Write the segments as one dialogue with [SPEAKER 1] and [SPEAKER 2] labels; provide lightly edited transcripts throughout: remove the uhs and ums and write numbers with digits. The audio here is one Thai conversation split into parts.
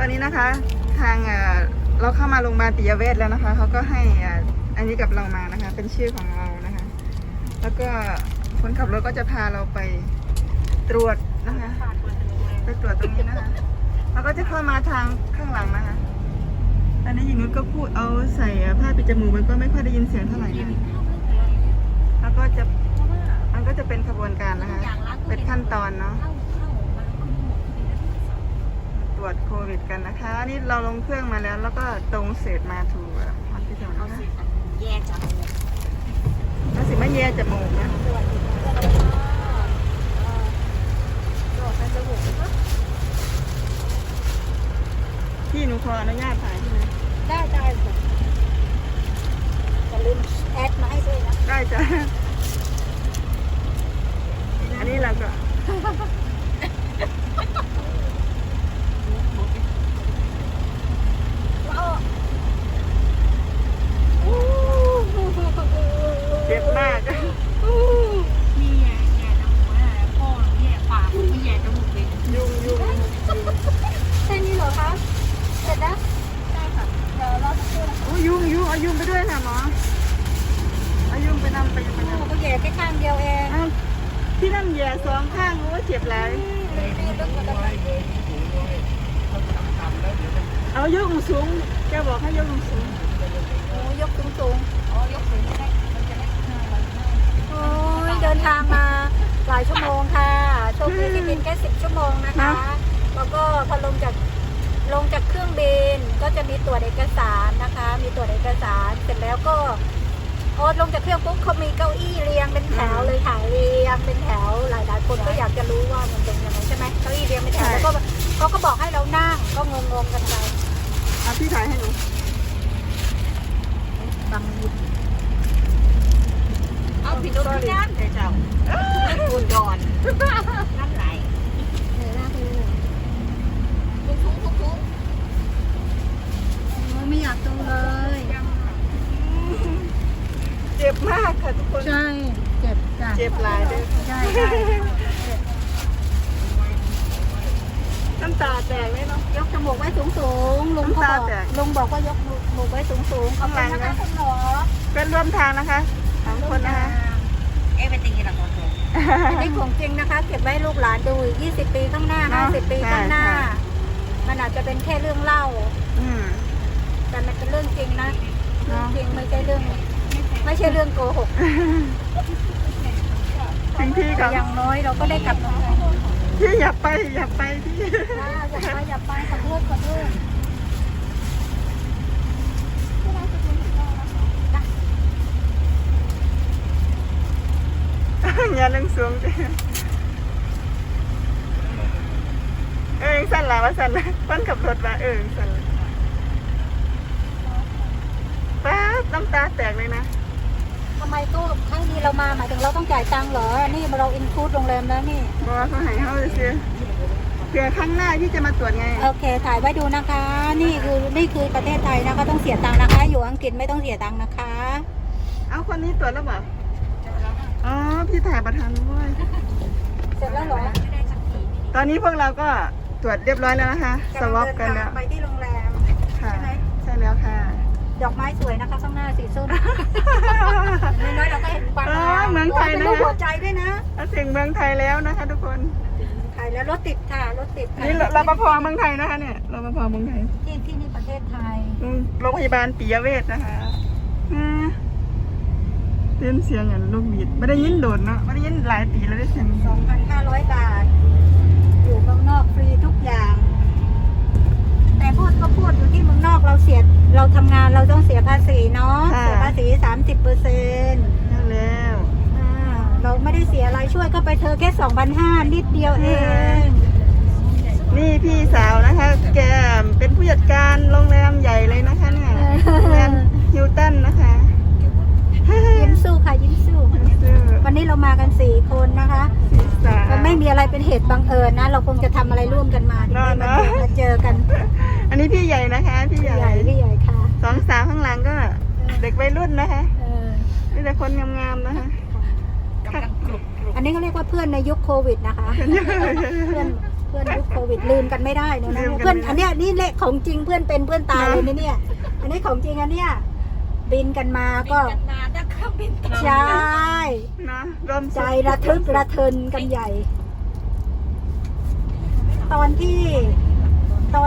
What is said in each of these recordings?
[SPEAKER 1] อนนี้นะคะทางเราเข้ามาโรงพยาบาลปิยเวชแล้วนะคะเขาก็ให้อันนี้กับเรามานะคะเป็นชื่อของเรานะคะแล้วก็คนขับรถก็จะพาเราไปตรวจนะคะไปตรวจตรงนี้นะคะแล้วก็จะเข้ามาทางข้างหลังนะคะตอนนี้หญิงนุชก็พูดเอาใส่ผ้าปิดจมูกมันก็ไม่ค่อยได้ยินเสียงเท่าไหร่นะแล้วก็จะมันก็จะเป็นขบวนการนะคะเป็นขั้นตอนเนาะตรวจโควิดกันนะคะนี่เราลงเครื่องมาแล้วแล้วก็ตรงเสร็จมาถูกฮอสพิทอลนะคะ
[SPEAKER 2] แย่จังเลย
[SPEAKER 1] แล้วสิไม่แย่จมูกนะพี่หนูขออนุญาตถ่ายใช่ไหม
[SPEAKER 2] ได้ค่ะอย่าลืมแอดมาให้ด้วยนะ
[SPEAKER 1] ได้จ้ะอันนี้เราก็เจ็บมาก
[SPEAKER 2] นี่แย่จมูกนะพ่อแย่ปากไม่แย่จมูกเลย
[SPEAKER 1] ยุ่ง
[SPEAKER 2] แค่นี้เหรอคะเสร็จแล้วได้ค่ะเดี๋ยวเราจะพูด
[SPEAKER 1] โอ้ยุ่งเอายุ่งไปด้วยค่ะหมอเอายุ่งไปนำไปยังไง
[SPEAKER 2] ก็แย่แค่ข้างเดียวเอง
[SPEAKER 1] พี่นั่นแย่สองข้างโอ้เจ็บหลายเอายกสูงแกบอกให้ยกสูง
[SPEAKER 2] โอ้ยกสูงอ๋อยกสูงได้โอ้ยเดินทางมาหลายชั่วโมงค่ะโชคดีที่บินแค่10 ชั่วโมงนะคะแล้วก็พอลงจากเครื่องบินก็จะมีตรวจเอกสารนะคะมีตรวจเอกสารเสร็จแล้วก็ลงจากเครื่องปุ๊บเขามีเก้าอี้เรียงเป็นแถวเลยค่ะเรียงเป็นแถวหลายคนก็อยากจะรู้ว่ามันเป็นยังไงใช่ไหมเก้าอี้เรียงเป็นแถวแล้วก็เขาก็บอกให้เรานั่งก็งงกันไป
[SPEAKER 1] พี่ถ่ายให้หนู
[SPEAKER 2] บังยิบเอาผิดตัวที่นั่นเจ้าคุณก่อนนั่นไหลหน้าคือทุกไม่อยากดูเลย
[SPEAKER 1] เจ็บมากค่ะทุกคน
[SPEAKER 2] ใช่เจ็บจ้ะ
[SPEAKER 1] เจ็บหลายด้วย
[SPEAKER 2] ใช่
[SPEAKER 1] น้ำตาแตกเลยเนาะ
[SPEAKER 2] ยกจมูกไว้สูงลุงบอกว่ายกจมูกไว้สูง
[SPEAKER 1] ข้างหลังนะ
[SPEAKER 2] คุณหมอ
[SPEAKER 1] เป็นร่วมทางนะคะ2 คนนะคะ
[SPEAKER 2] เป็นจริงหรอคุณนี่ของจริงนะคะเก็บไว้ลูกหลานดู20 ปีข้างหน้า50 ปีข้างหน้ามันอาจจะเป็นแค่เรื่องเล่าแต่มันเป็นเรื่องจริงนะเรื่องจริงไม่ใช่เรื่องโกหก
[SPEAKER 1] จริงพี่กับ
[SPEAKER 2] อย่างน้อยเราก็ได้กลับมา
[SPEAKER 1] พี่อย่าไปพี่
[SPEAKER 2] อย่าไปขอโทษ
[SPEAKER 1] อย่าเล่นสูงดิสั่นละว่าสั่นละคนขับรถมาสั่นละป๊าบน้ำตาแตกเลยนะ
[SPEAKER 2] ทำไมตู้ครั้งนี้เรามาหมายถึงเราต้องจ่ายตังค์เหรอนี่เราอินคลูดโรงแรมแล้วนี่
[SPEAKER 1] บอกว่าเขาให้เขาเสียเผื่อครั้งหน้าที่จะมาตรวจไง
[SPEAKER 2] โอเคถ่ายไว้ดูนะคะนี่คือประเทศไทยนะคะต้องเสียตังค์นะคะอยู่อังกฤษไม่ต้องเสียตังค์นะคะ
[SPEAKER 1] เอาคนนี้ตรวจแล้วเปล่าอ๋อพี่ถ่ายประธานด้วย
[SPEAKER 2] เสร็จแล้วเหรอ
[SPEAKER 1] ตอนนี้พวกเราก็ตรวจเรียบร้อยแล้วนะคะสวอปกันแล้ว
[SPEAKER 2] ไปที่โรงแรม
[SPEAKER 1] ค่ะใช่แล้วค่ะ
[SPEAKER 2] ดอกไม้สวยนะคะข้างหน้าสีส้มน้อยๆเราก็เห็นความ
[SPEAKER 1] เมืองไทยนะ
[SPEAKER 2] หัวใจด้วยนะ
[SPEAKER 1] ถึงเมืองไทยแล้วนะคะทุกคน
[SPEAKER 2] ไทยแล้วรถติดค่ะรถติด
[SPEAKER 1] นี่รปภเมืองไทยนะคะเนี่ยรปภเมืองไทย
[SPEAKER 2] ที่นี่ประเทศไทย
[SPEAKER 1] โรงพยาบาลปิยเวชนะคะเต้นเสียงอย่างลูกบิดไม่ได้ยินโดดเนาะไม่ได้ยินหลายปีแล้วได้เสียง
[SPEAKER 2] 2,500 บาทอยู่เมืองนอกฟรีทุกอย่างแต่พูดอยู่ที่เมืองนอกเราทำงานเราต้องเสียภาษีเนาะเสียภาษี 30%
[SPEAKER 1] นั่นแล้ว
[SPEAKER 2] เราไม่ได้เสียอะไรช่วยก็ไปเธอแค่ 2,500 นิดเดียวเอง
[SPEAKER 1] นี่พี่สาวนะคะแกเป็นผู้จัดการโรงแรมใหญ่เลยนะคะเนี่ยโรงแรมฮิลตันนะคะ
[SPEAKER 2] ยิ้มสู้ค่ะยิ้มสู้วันนี้เรามากัน4 คนนะคะมันไม่มีอะไรเป็นเหตุบังเอิญนะเราคงจะทำอะไรร่วมกันมามาเจอกัน
[SPEAKER 1] อันนี้พี่ใหญ่นะคะพี่ใหญ่
[SPEAKER 2] ค่ะ
[SPEAKER 1] 2 สาวข้างหลังก็เด็กวัยรุ่นนะคะนี่แต่คนงามๆนะคะ
[SPEAKER 2] อันนี้เขาเรียกว่าเพื่อนในยุคโควิดนะคะเพื่อนเพื่อนยุคโควิดลืมกันไม่ได้เลยนะ
[SPEAKER 1] ลืมกัน
[SPEAKER 2] เพื่อน
[SPEAKER 1] ไม่ได้
[SPEAKER 2] อันเนี้ยนี่เละของจริงเพื่อนเป็นเพื่อนตาย
[SPEAKER 1] นะ
[SPEAKER 2] เลยนะเนี่ย อันนี้ของจริงอันเนี้ยบินกันมาก็
[SPEAKER 3] กันมาถ้าเครื่องบินตก
[SPEAKER 2] ใช่
[SPEAKER 1] นะรวม
[SPEAKER 2] ใจระทึกระเทินกันใหญ่ ตอนที่จะ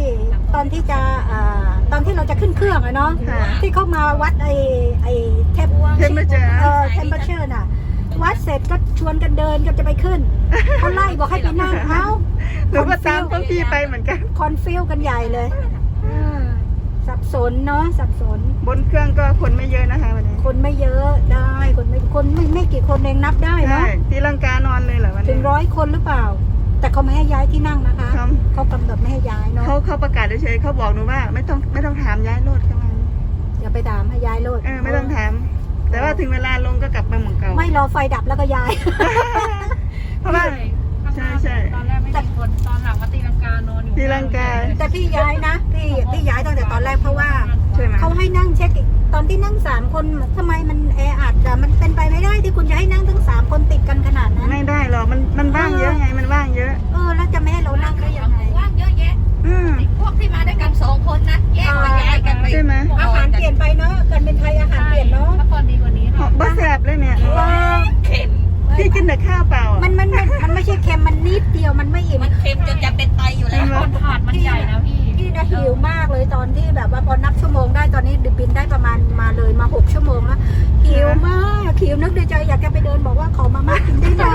[SPEAKER 2] ตอนที่เราจะขึ้นเครื่องอะเนาะ
[SPEAKER 1] ค่ะ
[SPEAKER 2] ที่เขามาวัดไอเทป
[SPEAKER 1] เทมเปอร์เจอร์
[SPEAKER 2] เทมเปอร์เชอร์น่ะ วัดเสร็จก็ชวนกันเดินก็จะไปขึ้นเขาไล่บอกให้ไปนั่งเอ้า
[SPEAKER 1] หนูก็ตามพวกพี่ไปเหมือนกัน
[SPEAKER 2] คอนฟิวกันใหญ่เลยสับสนเนาะสับสน
[SPEAKER 1] บนเครื่องก็คนไม่เยอะนะคะวันนี้
[SPEAKER 2] คนไม่เยอะได้คนไม่กี่คนเองนับได้
[SPEAKER 1] ใช่
[SPEAKER 2] เนาะ
[SPEAKER 1] ตีลังกานอนเลยเหรอวัน
[SPEAKER 2] ถึ
[SPEAKER 1] นี้
[SPEAKER 2] ง100 คนหรือเปล่า แต่เขาไม่ให้ย้ายที่นั่งนะคะ
[SPEAKER 1] ครับ
[SPEAKER 2] เขากำหนดไม่ให้ย้ายเนาะ
[SPEAKER 1] เขาประกาศเฉยๆเขาบอกหนูว่าไม่ต้องถามย้ายรถเข้ามา
[SPEAKER 2] อย่าไปถามให้ย้ายรถ
[SPEAKER 1] ไม่ต้องถาม แต่ว่าถึงเวลาลงก็กลับมาเหมือนเก่า
[SPEAKER 2] ไม่รอไฟดับแล้วก็ย้าย
[SPEAKER 1] เพราะว่า ใช่
[SPEAKER 3] ตอนแรกไม่มีคนตอนหลังมาตีลังกานอนอยู่
[SPEAKER 1] ตีลังกา
[SPEAKER 2] แต่พี่ย้ายนะพี่ย้ายตั้งแต่ตอนแรกเพราะว่า
[SPEAKER 1] ใช่ไหม
[SPEAKER 2] เขาให้นั่งเช็คอีกตอนที่นั่ง3 คนทำไมมันแออัดอะมันเป็นไปไม่ได้ที่คุณจะให้นั่งทั้ง3 คนติดกันขนาดนั้น
[SPEAKER 1] ไม่ได้หรอกมันว่างเยอะไงมันว่างเยอะ
[SPEAKER 2] แล้วจะไม่ให้เรานั่งได้ยังไง
[SPEAKER 3] ว่างเยอะแยะ
[SPEAKER 1] อืม
[SPEAKER 3] พวกที่มาด้วยกัน2 คนนะแยกมาย้ายกันไป
[SPEAKER 1] ใช่ไหม
[SPEAKER 2] อาหารเปลี่ยนไปเนาะการเป็นไทยอาหารเปลี่ยนเนาะ
[SPEAKER 3] ถ้าก่อนดีกว่านี้
[SPEAKER 1] หอมบ้าแสบเลยเนี่ย
[SPEAKER 3] เค็ม
[SPEAKER 1] พี่กินแต่ข้าวเปล่าอะ
[SPEAKER 2] มันไม่ใช่เค็มมันนิดเดียวมันไม่อิ่ม
[SPEAKER 3] มันเค็มจนจะเป็นไตอยู่แล้วถาดมันใหญ่นะพี่
[SPEAKER 2] พี่นะหิวมากเลยตอนที่แบบว่าพอนับชั่วโมงได้ตอนนี้บินได้ประมาณมาเลยมา6 ชั่วโมงแล้วหิวมากหิวนึกในใจอยากจะไปเดินบอกว่าขอมาม่ากินได้ไหม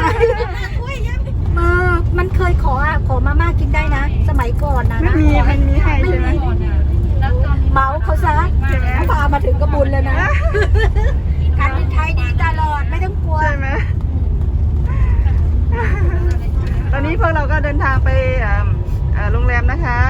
[SPEAKER 2] มันเคยขอมาม่ากินได้นะ สมัยก่อนนะ
[SPEAKER 1] มันมีให้ใช่ไหม
[SPEAKER 2] เมาเขาซะ
[SPEAKER 1] ใช่ไหม
[SPEAKER 2] พามาถึงกระบุญเลยนะการบินไทยดีตลอดไม่ต้องกลัว
[SPEAKER 1] ใช่ไหมตอนนี้พวกเราก็เดินทางไปโรงแรมนะคะ